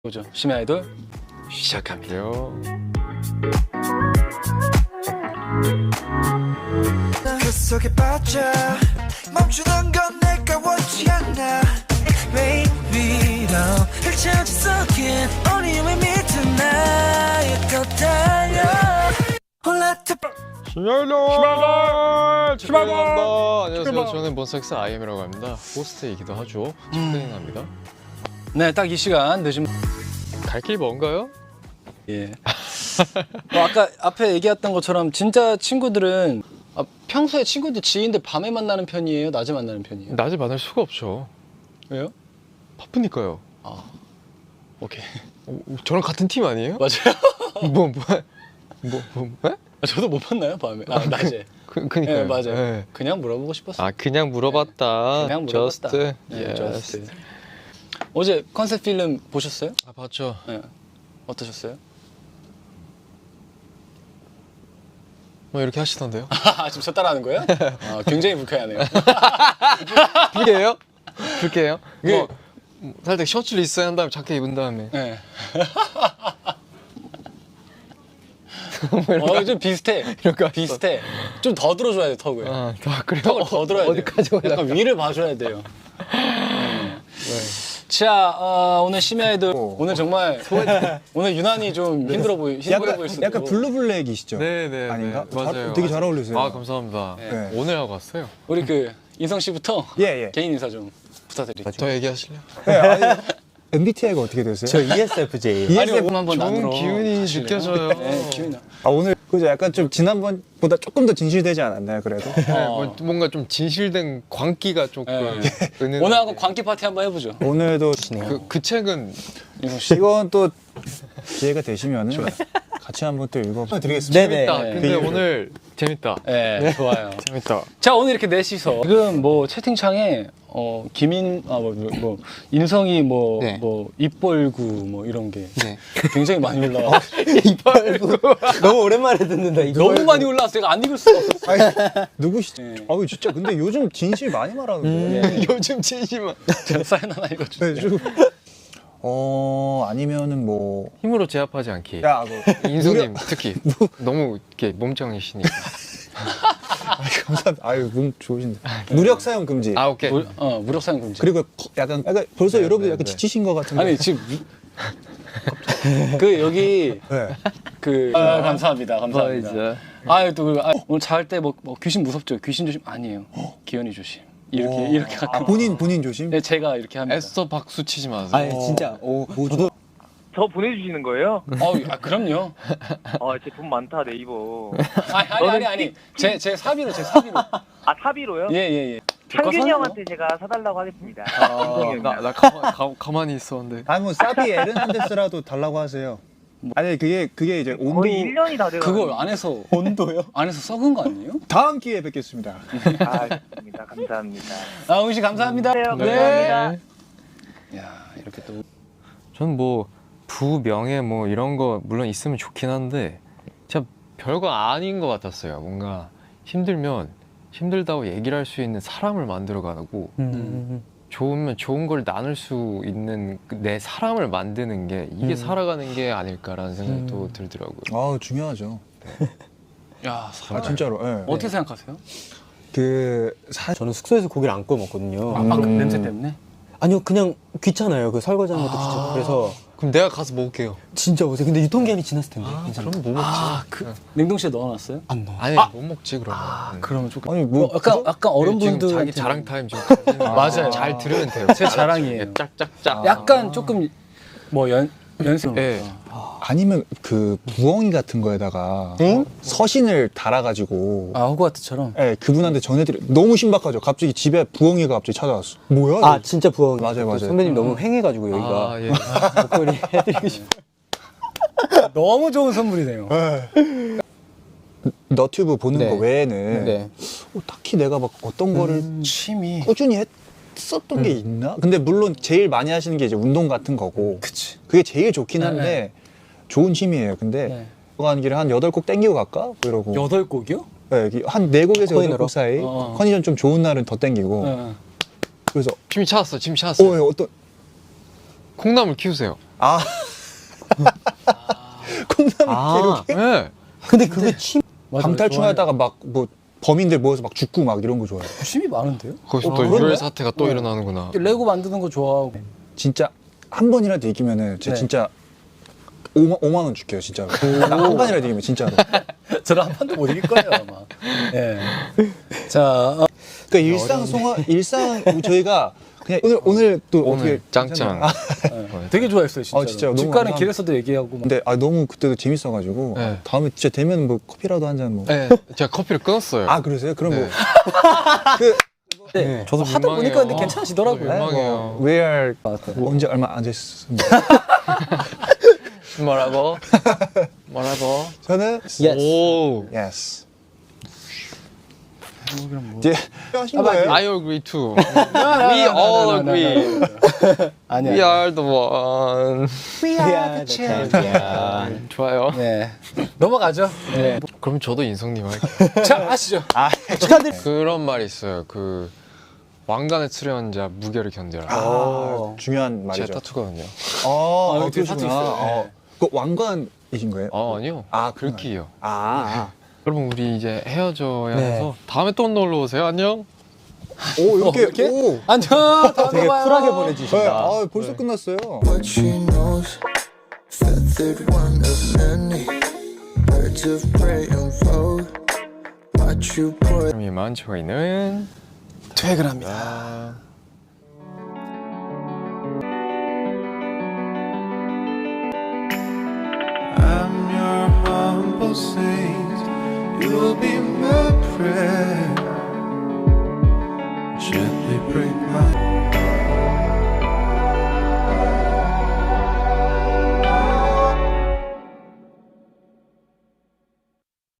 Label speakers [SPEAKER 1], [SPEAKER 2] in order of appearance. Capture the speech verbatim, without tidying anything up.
[SPEAKER 1] 보죠. 심야 아이돌 시작합니다.
[SPEAKER 2] 그 속에 빠져 멈추는 건 내가 원치 않아 Baby 너 펼쳐진 속에 only you and me tonight 더 달려 홀라트
[SPEAKER 3] 심야일로
[SPEAKER 1] 심야일로!
[SPEAKER 3] 안녕하세요. 저는 몬스타엑스 아이엠이라고 합니다. 호스트이기도 하죠. 직행합니다.
[SPEAKER 1] 네, 딱 이 시간 늦은
[SPEAKER 3] 갈 길 먼가요?
[SPEAKER 1] 예. 뭐 아까 앞에 얘기했던 것처럼 진짜 친구들은 아, 평소에 친구들 지인들 밤에 만나는 편이에요? 낮에 만나는 편이에요?
[SPEAKER 3] 낮에 만날 수가 없죠.
[SPEAKER 1] 왜요?
[SPEAKER 3] 바쁘니까요.
[SPEAKER 1] 아, 오케이.
[SPEAKER 3] 어, 저랑 같은 팀 아니에요?
[SPEAKER 1] 맞아요.
[SPEAKER 3] 뭐, 뭐, 뭐, 뭐, 뭐?
[SPEAKER 1] 아, 저도 못 만나요 밤에. 아, 낮에.
[SPEAKER 3] 그, 그니까요.
[SPEAKER 1] 네, 맞아요.
[SPEAKER 3] 네.
[SPEAKER 1] 그냥 물어보고 싶었어요.
[SPEAKER 3] 아, 그냥 물어봤다.
[SPEAKER 1] 그냥 물어봤다.
[SPEAKER 3] Just,
[SPEAKER 1] 네,
[SPEAKER 3] yes.
[SPEAKER 1] just. 어제 컨셉 필름 보셨어요?
[SPEAKER 3] 아, 봤죠.
[SPEAKER 1] 네. 어떠셨어요?
[SPEAKER 3] 뭐 이렇게 하시던데요?
[SPEAKER 1] 아, 지금 저 따라하는 거예요? 아, 굉장히 불쾌하네요.
[SPEAKER 3] 불게요? 불게요?
[SPEAKER 1] 그-
[SPEAKER 3] 뭐, 살짝 셔츠를 있어야 한 다음에 자켓 입은 다음에.
[SPEAKER 1] 네. 어, 좀 비슷해.
[SPEAKER 3] 이런 거
[SPEAKER 1] 비슷해. 좀 더 들어줘야 돼, 턱을.
[SPEAKER 3] 아, 다 그래요?
[SPEAKER 1] 턱을 더 들어야 돼.
[SPEAKER 3] 어디까지 올라?
[SPEAKER 1] 약간 위를 봐줘야 돼요. 네. 자, 어, 오늘 심야 아이돌 오늘 정말 오늘 유난히 좀 힘들어 보이 힘들어
[SPEAKER 4] 약간,
[SPEAKER 1] 보일 수도
[SPEAKER 4] 약간 블루블랙이시죠?
[SPEAKER 3] 네네.
[SPEAKER 4] 아닌가?
[SPEAKER 3] 네, 맞아요.
[SPEAKER 4] 잘- 되게 잘 어울리세요.
[SPEAKER 3] 아, 감사합니다.
[SPEAKER 4] 네.
[SPEAKER 3] 오늘 하고 왔어요.
[SPEAKER 1] 우리 그 인성 씨부터
[SPEAKER 4] 예, 예.
[SPEAKER 1] 개인 인사 좀 부탁드릴게요.
[SPEAKER 3] 더 얘기하실래요?
[SPEAKER 4] 네, 아니, 엠비티아이가 어떻게 되세요?
[SPEAKER 5] 저 이에스에프제이.
[SPEAKER 1] 아니,
[SPEAKER 4] 이에스에프
[SPEAKER 1] 오늘 한번
[SPEAKER 3] 좋은
[SPEAKER 1] 나누러
[SPEAKER 3] 기운이
[SPEAKER 1] 가실래요?
[SPEAKER 3] 느껴져요.
[SPEAKER 1] 네, 기운이 나.
[SPEAKER 4] 아, 오늘 그죠? 약간 좀 지난번보다 조금 더 진실되지 않았나요? 그래도?
[SPEAKER 3] 네,
[SPEAKER 1] 어.
[SPEAKER 3] 뭐, 뭔가 좀 진실된 광기가 조금
[SPEAKER 1] 네.
[SPEAKER 3] 은은하게.
[SPEAKER 1] 오늘 한번 광기 파티 한번 해보죠.
[SPEAKER 4] 오늘도
[SPEAKER 3] 그, 그 책은
[SPEAKER 1] 인성 씨.
[SPEAKER 4] 이건 또 기회가 되시면은 같이 한번 또 읽어드리겠습니다.
[SPEAKER 5] 네네.
[SPEAKER 3] 재밌다.
[SPEAKER 1] 네.
[SPEAKER 3] 근데 오늘 재밌다.
[SPEAKER 1] 네, 좋아요.
[SPEAKER 3] 재밌다.
[SPEAKER 1] 자, 오늘 이렇게 넷이서 지금 뭐 채팅창에 어 김인 아뭐 뭐, 뭐, 인성이 뭐 뭐
[SPEAKER 5] 네.
[SPEAKER 1] 입벌구 뭐 이런 게
[SPEAKER 5] 네.
[SPEAKER 1] 굉장히 많이 올라와.
[SPEAKER 5] 이빨구. 너무 오랜만에 듣는다. 이거.
[SPEAKER 1] 너무 많이 올라왔어. 내가 안 읽을 수가 없었어.
[SPEAKER 4] 아니, 누구시죠?
[SPEAKER 1] 네.
[SPEAKER 4] 아유, 진짜 근데 요즘 진실 많이 말하는데.
[SPEAKER 1] 네.
[SPEAKER 3] 요즘 진심은
[SPEAKER 1] 제가 사연 하나 읽어주세요.
[SPEAKER 4] 네, 좀- 어, 아니면은 뭐.
[SPEAKER 3] 힘으로 제압하지 않기.
[SPEAKER 4] 야, 뭐.
[SPEAKER 3] 인성님 특히 너무 이렇게 몸짱이시니까.
[SPEAKER 4] 아유, 감사합니다. 아유, 몸 좋으신데. 무력 사용 금지.
[SPEAKER 3] 아 오케이.
[SPEAKER 1] 무, 어 무력 사용 금지.
[SPEAKER 4] 그리고 약간, 약간 벌써
[SPEAKER 3] 네,
[SPEAKER 4] 여러분들
[SPEAKER 3] 네,
[SPEAKER 4] 약간
[SPEAKER 3] 네.
[SPEAKER 4] 지치신 것 같은데.
[SPEAKER 1] 아니 지금 무- 그 여기
[SPEAKER 4] 네.
[SPEAKER 1] 그 아, 감사합니다. 감사합니다.
[SPEAKER 3] 보이즈.
[SPEAKER 1] 아유 또 그, 아, 오늘 잘 때 뭐 뭐 귀신 무섭죠. 귀신 조심 아니에요. 기현이 조심. 이렇게
[SPEAKER 4] 어.
[SPEAKER 1] 이렇게
[SPEAKER 4] 아,
[SPEAKER 1] 가끔.
[SPEAKER 4] 본인, 본인 조심?
[SPEAKER 1] 네, 제가 이렇게 합니다.
[SPEAKER 3] 애써 박수 치지 마세요.
[SPEAKER 5] 아니 진짜. 오, 저도
[SPEAKER 6] 저 보내주시는 거예요?
[SPEAKER 1] 어, 아 그럼요.
[SPEAKER 6] 아, 제 돈 많다 네이버.
[SPEAKER 1] 아니 아니 아니 아니 제 제 사비로 제 사비로.
[SPEAKER 6] 아, 사비로요?
[SPEAKER 1] 예예 예.
[SPEAKER 6] 창균이 형한테 제가 사달라고 하겠습니다.
[SPEAKER 3] 아, 나, 나 가만, 가, 가만히 있었는데.
[SPEAKER 4] 아니 뭐 사비 에르난데스라도 달라고 하세요. 아니 그게 그게 이제 온도
[SPEAKER 6] 거의 일 년이 다 돼요.
[SPEAKER 1] 그걸 안에서 온도요? 안에서 썩은 거 아니에요?
[SPEAKER 4] 다음 기회에 뵙겠습니다.
[SPEAKER 6] 아, 좋습니다. 감사합니다.
[SPEAKER 1] 아, 응씨 감사합니다.
[SPEAKER 6] 네, 감사합니다.
[SPEAKER 1] 야, 이렇게 또
[SPEAKER 3] 저는 뭐 부명예 뭐 이런 거 물론 있으면 좋긴 한데 진짜 별거 아닌 것 같았어요. 뭔가 힘들면 힘들다고 얘기를 할 수 있는 사람을 만들어가고
[SPEAKER 5] 음.
[SPEAKER 3] 좋으면 좋은 걸 나눌 수 있는 그내 사람을 만드는 게 이게 살아가는 게 아닐까라는 생각이 또 들더라고요.
[SPEAKER 4] 아 중요하죠.
[SPEAKER 1] 야,
[SPEAKER 4] 아
[SPEAKER 1] 사람.
[SPEAKER 4] 진짜로. 예.
[SPEAKER 1] 어떻게 생각하세요?
[SPEAKER 4] 그 사.
[SPEAKER 5] 저는 숙소에서 고기를 안 구워 먹거든요.
[SPEAKER 1] 아, 그 냄새 때문에?
[SPEAKER 5] 아니요, 그냥 귀찮아요. 그 설거지하는 것도 귀찮고. 그래서
[SPEAKER 3] 그럼 내가 가서 먹을게요.
[SPEAKER 5] 진짜 오세요. 근데 유통기한이 지났을 텐데. 괜찮아요.
[SPEAKER 3] 그럼 뭐 먹지?
[SPEAKER 1] 아, 그 냉동실에 넣어놨어요?
[SPEAKER 5] 안 넣어.
[SPEAKER 3] 아니 못 먹지 그러면. 음.
[SPEAKER 1] 그러면 조금
[SPEAKER 4] 아니 뭐
[SPEAKER 1] 어, 약간 약간 어른분들
[SPEAKER 3] 지금 자기 자랑 타임 지금
[SPEAKER 1] 맞아요.
[SPEAKER 3] 잘 들으면 돼요.
[SPEAKER 1] 제 자랑이에요.
[SPEAKER 3] 짝짝짝.
[SPEAKER 1] 약간 조금 뭐 연 연습.
[SPEAKER 3] 네.
[SPEAKER 4] 아니면 그 부엉이 같은 거에다가 서신을 달아가지고
[SPEAKER 1] 아, 호그와트처럼.
[SPEAKER 4] 예, 그분한테 전해드려. 너무 신박하죠. 갑자기 집에 부엉이가 갑자기 찾아왔어. 뭐야?
[SPEAKER 5] 아 진짜 부엉.
[SPEAKER 4] 맞아요, 맞아요.
[SPEAKER 5] 선배님 너무 횡해가지고 여기가
[SPEAKER 3] 아 예.
[SPEAKER 5] 목걸이 해드리고 싶어.
[SPEAKER 1] 너무 좋은 선물이네요.
[SPEAKER 4] 너튜브 보는
[SPEAKER 5] 네.
[SPEAKER 4] 거 외에는
[SPEAKER 5] 네.
[SPEAKER 4] 어, 딱히 내가 막 어떤 거를
[SPEAKER 1] 취미.
[SPEAKER 4] 꾸준히 했었던 게 있나? 근데 물론 제일 많이 하시는 게 이제 운동 같은 거고
[SPEAKER 1] 그치.
[SPEAKER 4] 그게 제일 좋긴
[SPEAKER 1] 네,
[SPEAKER 4] 한데
[SPEAKER 1] 네.
[SPEAKER 4] 좋은 취미예요. 근데
[SPEAKER 1] 네.
[SPEAKER 4] 가는 길에 한 여덟 곡 땡기고 갈까? 뭐 이러고
[SPEAKER 1] 여덟 곡이요?
[SPEAKER 4] 네, 한 네 곡에서 여덟
[SPEAKER 5] 코인으로?
[SPEAKER 4] 곡 사이
[SPEAKER 1] 어.
[SPEAKER 4] 컨디션 좀 좋은 날은 더 땡기고
[SPEAKER 1] 네.
[SPEAKER 4] 그래서
[SPEAKER 3] 짐이 찾았어. 짐이 찾았어.
[SPEAKER 4] 어, 예, 어떤
[SPEAKER 3] 콩나물 키우세요.
[SPEAKER 4] 아 콩나물
[SPEAKER 5] 아.
[SPEAKER 4] 기록에
[SPEAKER 3] 네.
[SPEAKER 5] 근데 그게 취
[SPEAKER 1] 맞아,
[SPEAKER 4] 방탈출하다가 막 뭐 범인들 모여서 막 죽고 막 이런 거 좋아해요.
[SPEAKER 1] 취미 많은데요?
[SPEAKER 3] 거기서
[SPEAKER 4] 어,
[SPEAKER 3] 또
[SPEAKER 4] 그런가요?
[SPEAKER 3] 유혈 사태가 또 일어나는구나.
[SPEAKER 1] 레고 만드는 거 좋아하고.
[SPEAKER 4] 진짜 한 번이라도 이기면은 제가
[SPEAKER 1] 네.
[SPEAKER 4] 진짜 오만, 오만 원 줄게요 진짜로. 한 번이라도 이기면 진짜로.
[SPEAKER 1] 저는 한 판도 못 이길 거예요 아마. 예. 자, 어,
[SPEAKER 4] 그러니까 일상 송화 일상 저희가 그냥 오늘 오늘 또
[SPEAKER 3] 오늘
[SPEAKER 4] 어떻게
[SPEAKER 3] 짱짱.
[SPEAKER 4] 아,
[SPEAKER 1] 예. 되게 좋아했어요 진짜.
[SPEAKER 4] 아, 진짜요?
[SPEAKER 1] 집
[SPEAKER 4] 너무
[SPEAKER 1] 가는
[SPEAKER 4] 감사합니다.
[SPEAKER 1] 길에서도 얘기하고. 막.
[SPEAKER 4] 근데 아 너무 그때도 재밌어가지고
[SPEAKER 3] 네.
[SPEAKER 4] 아, 다음에 진짜 되면 뭐 커피라도 한 잔 뭐.
[SPEAKER 3] 네. 제가 커피를 끊었어요.
[SPEAKER 4] 아 그러세요? 그럼
[SPEAKER 3] 네.
[SPEAKER 4] 뭐그
[SPEAKER 1] 네.
[SPEAKER 3] 저도
[SPEAKER 1] 하다 보니까 근데
[SPEAKER 3] 민망해요.
[SPEAKER 1] 괜찮으시더라고요.
[SPEAKER 3] 어, 민망해요.
[SPEAKER 4] where
[SPEAKER 1] 같아요.
[SPEAKER 4] 언제 얼마 안 됐습니다.
[SPEAKER 3] 뭐라고? 뭐라고?
[SPEAKER 4] 저는
[SPEAKER 5] Yes.
[SPEAKER 3] 오.
[SPEAKER 4] yes.
[SPEAKER 1] 뭐.
[SPEAKER 4] 이제 하신 거예요?
[SPEAKER 3] I agree too. We all agree.
[SPEAKER 1] 아니야.
[SPEAKER 3] We are the one.
[SPEAKER 5] We are the champion.
[SPEAKER 3] 좋아요.
[SPEAKER 1] 네. 넘어가죠. 네.
[SPEAKER 3] 그럼 저도 인성님 할게요.
[SPEAKER 1] 자, 아시죠?
[SPEAKER 5] 축하드립니다.
[SPEAKER 3] 그런 말이 있어요. 그 왕관의 출연자 무게를 견뎌라.
[SPEAKER 4] 아
[SPEAKER 1] 오.
[SPEAKER 4] 중요한
[SPEAKER 3] 제
[SPEAKER 4] 말이죠.
[SPEAKER 3] 타투거든요.
[SPEAKER 4] 아,
[SPEAKER 1] 아,
[SPEAKER 4] 아
[SPEAKER 1] 여기
[SPEAKER 4] 그러시구나.
[SPEAKER 1] 타투 있어요.
[SPEAKER 4] 어. 그 왕관이신 거예요?
[SPEAKER 3] 아 아니요.
[SPEAKER 4] 아,
[SPEAKER 3] 글귀요.
[SPEAKER 4] 아,
[SPEAKER 3] 여러분 우리 이제 헤어져야
[SPEAKER 5] 네.
[SPEAKER 3] 해서 다음에 또 놀러 오세요. 안녕.
[SPEAKER 4] 오 이렇게,
[SPEAKER 1] 어, 이렇게?
[SPEAKER 4] 오.
[SPEAKER 1] 안녕. 다음에
[SPEAKER 5] 되게
[SPEAKER 1] 봐요.
[SPEAKER 5] 쿨하게
[SPEAKER 4] 네,
[SPEAKER 5] 보내주신다.
[SPEAKER 4] 아 벌써 끝났어요.
[SPEAKER 2] what she knows. Feathered one of many birds of prey unfold. Watch you pour
[SPEAKER 3] 그럼 이만 저희는
[SPEAKER 1] 퇴근합니다.
[SPEAKER 3] 아,
[SPEAKER 2] I'm your humble saint. You'll be my prayer. Gently break